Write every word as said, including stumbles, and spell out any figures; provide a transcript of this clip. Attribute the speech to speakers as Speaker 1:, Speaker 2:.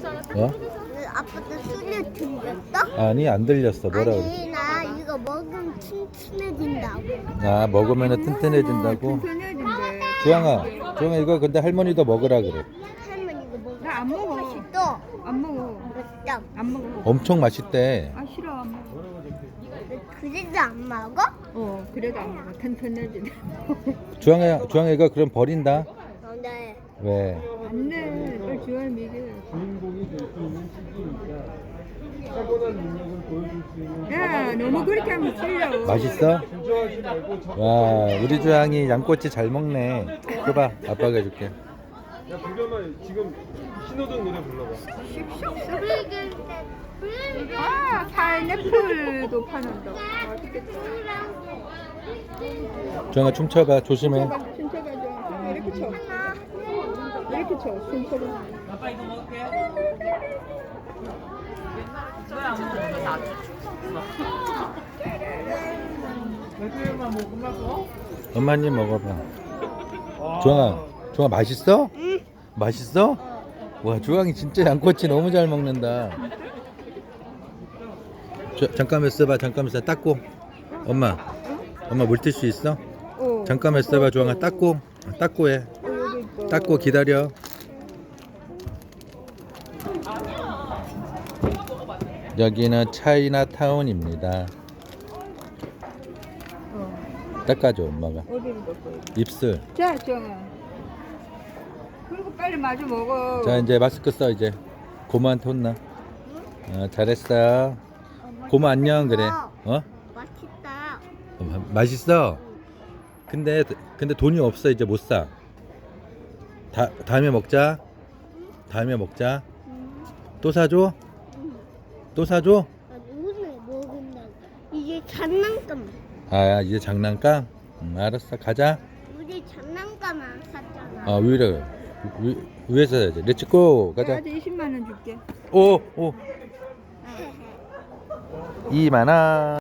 Speaker 1: 어?
Speaker 2: 그 아빠도 술을 들렸어?
Speaker 1: 아니 안 들렸어. 뭐라 그래?
Speaker 2: 아니 나 이거 먹으면 튼튼해진다고.
Speaker 1: 아 먹으면 튼튼해진다고?
Speaker 3: 튼튼해진대.
Speaker 1: 주황아, 주황아 이거 근데 할머니도 먹으라 그래.
Speaker 2: 할머니 이거 먹어.
Speaker 3: 나 안 먹어.
Speaker 2: 맛있어.
Speaker 3: 안 먹어.
Speaker 2: 맛있다.
Speaker 3: 안 먹어.
Speaker 1: 엄청 맛있대.
Speaker 3: 아 싫어 안 먹어.
Speaker 2: 그래도 안 먹어?
Speaker 3: 어 그래도 안 먹어. 튼튼해지네.
Speaker 1: 주황아, 주황아 이거 그럼 버린다.
Speaker 2: 어, 네.
Speaker 1: 왜?
Speaker 3: 안돼. 빨리 주할 먹여. 야 너무 그렇게 하면 틀려.
Speaker 1: 맛있어? 와 우리 주황이 양꼬치 잘 먹네. 줘봐 아빠가 해줄게.
Speaker 4: 야 불겸아 지금 신호등 노래 불러봐.
Speaker 3: 아 파인애플도 파는다. 맛있겠다.
Speaker 1: 주황아 춤춰봐 조심해.
Speaker 3: 춤춰봐 춤춰봐. 이렇게 쳐. 이렇게 쳐. 춤춰봐.
Speaker 1: 엄마님 먹어봐. 주황아, 주황아 맛있어?
Speaker 2: 응.
Speaker 1: 맛있어? 와 주황이 진짜 양꼬치 너무 잘 먹는다. 저, 잠깐만 있어봐. 잠깐만 있어. 닦고. 엄마, 엄마 물티슈 있어?
Speaker 3: 어.
Speaker 1: 잠깐만 있어봐. 주황아 닦고. 닦고 해.
Speaker 3: 여기 있어.
Speaker 1: 닦고 기다려. 여기는 차이나타운입니다.
Speaker 3: 어.
Speaker 1: 닦아줘 엄마가.
Speaker 3: 어디를 넣고.
Speaker 1: 입술.
Speaker 3: 자 정아. 그리고 빨리 마주 먹어.
Speaker 1: 자 이제 마스크 써 이제. 고모한테 혼나. 어, 잘했어. 고모 안녕 그래. 어?
Speaker 2: 맛있다.
Speaker 1: 어, 마- 맛있어. 근데 근데 돈이 없어 이제 못 사. 다 다음에 먹자. 다음에 먹자.
Speaker 2: 음.
Speaker 1: 또 사줘?
Speaker 2: 음.
Speaker 1: 또 사줘?
Speaker 2: 나 오늘 먹은다고. 이게 장난감.
Speaker 1: 아 이제 장난감? 음, 알았어 가자.
Speaker 2: 우리 장난감 안 샀잖아.
Speaker 1: 아 위로 위, 위에서 해야지. 렛츠고 가자.
Speaker 3: 내가 이십만 원 줄게.
Speaker 1: 오 오 이만 원.